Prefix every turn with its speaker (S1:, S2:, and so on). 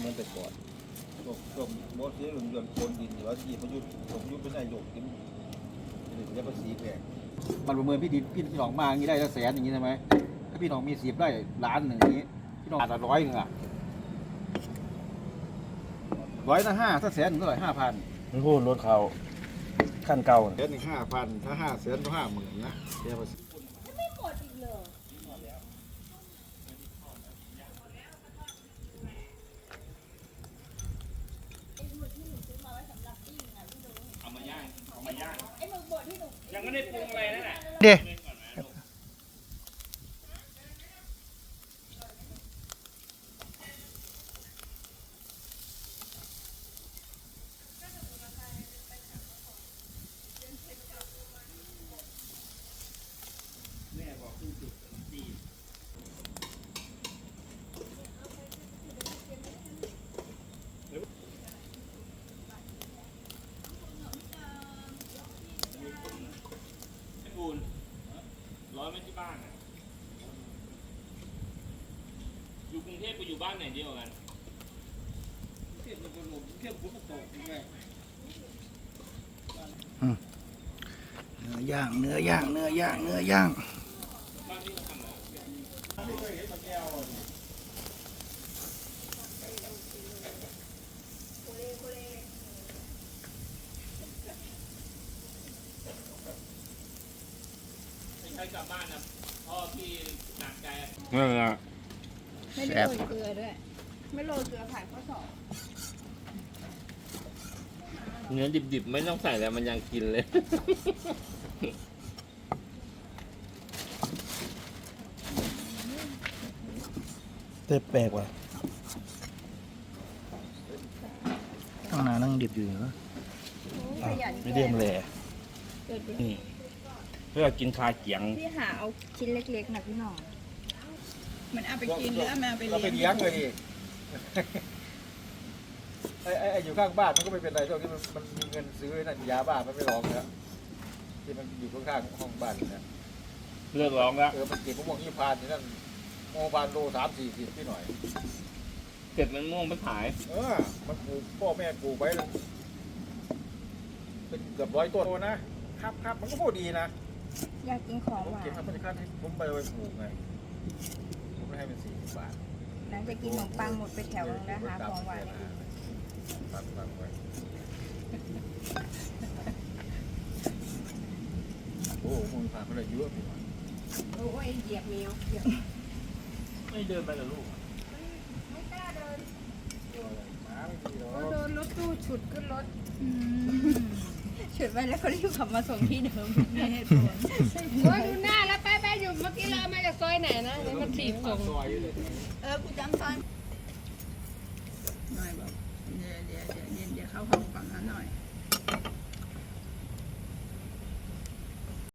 S1: มือนแต่ก่อนช่วงบอสเสียหลุมยนต์โคนดินหรือว่าที่ประยุทธ์เป็นนายกกินเรียกภาษีแพงมันประเมินพี่น้องมาอย่างนี้ได้ละแสนอย่างนี้ใช่ไหมถ้าพี่น้องมี10 ไร่ล้านหนึ่งนี้พี่น้องอาจจะ100 นึงอ่ะ100 ละ 5ถ้าแสนหนึ่งเท่าไหร่5,000
S2: มันพูดรถเขาขั้นเก่า
S1: แสนหนึ่ง5,000ถ้า500,000ก็50,000นะเสียภาษี
S3: ไม่หมดอีกเลยไอ้หมึกบดที่หนู
S4: ยังไม่ได้ปรุงอะไรนั่นแหละ
S2: เด้
S4: ร้อยไม่ที่บ้านอ่ะอยู่กรุงเทพไปอยู่บ้านไหนเดียวกัน
S2: เนื้อย่าง
S4: บ้านที่เขาทำใช้กลับบ้านนะพ่อพี่หนักใจ
S2: นั่นแหละ
S3: ไม่ได้โรยเกลือด้วยไม่โรยเกลือผ่านข้อสอบ
S4: เนื้อดิบๆไม่ต้องใส่แล้วมันยังกินเลย
S2: เต้แปลกว่ะตั้งนานนั่งดิบอยู่เหรอไม่เดียมแหล่นี่เพื่อกินคาเกียง
S3: พี่หาเอาชิ้นเล็กๆนะพี่หน่อยมันเอาไปกินหรือเอามาไป
S1: เราไปเลี้ยงเลยดิไอ้อยู่ข้างบ้านมันก็ไม่เป็นไรช่วงที่มันมีเงินซื้อนั่นยาบ้ามันไม่ร้องแล้วที่มันอยู่ข้างๆห้องบ้านนะ
S4: เลิกร้องแล้ว
S1: มันเก็บมะม่วงยี่พานที่นั่นมะม่วงพานโล30-40พี่หน่อย
S4: เก็บมันม่วงไปขาย
S1: มันปลูกพ่อแม่ปลูกไว้เป็นเกือบ100 ต้นนะครับมันก็พอดีนะ
S3: อยากกินของหวาน
S1: เก็บทำพันธุ์ขั้นให้ผมไปปลูกไงผมไม่ให้เป็น40 บาท
S3: หลังจากกินขนมปังหมดไปแถวนึงนะคะของหวาน
S1: ปังไว้โอ้มึงผ่านมาเลยเยอะพี่หน่อย
S3: โอ้ยเหยียบแมว
S4: ไม่เดินไปเหรอลูก
S3: ไม่กล้าเดิน
S1: ก็
S3: โดนรถตู้ฉุดขึ้นรถฉุดไปแล้วเขารีบขับมาส่งที่เดิมไม่ให้ผลว่าดูหน้าแล้วไปอยู่เมื่อกี้เรามาจากซอยไหนนะเดี๋ยวมันถีบส่งกูจำซอย
S5: หน่อยบอกเดี๋ยวเข้าห้องฝั่งนั้นหน่อย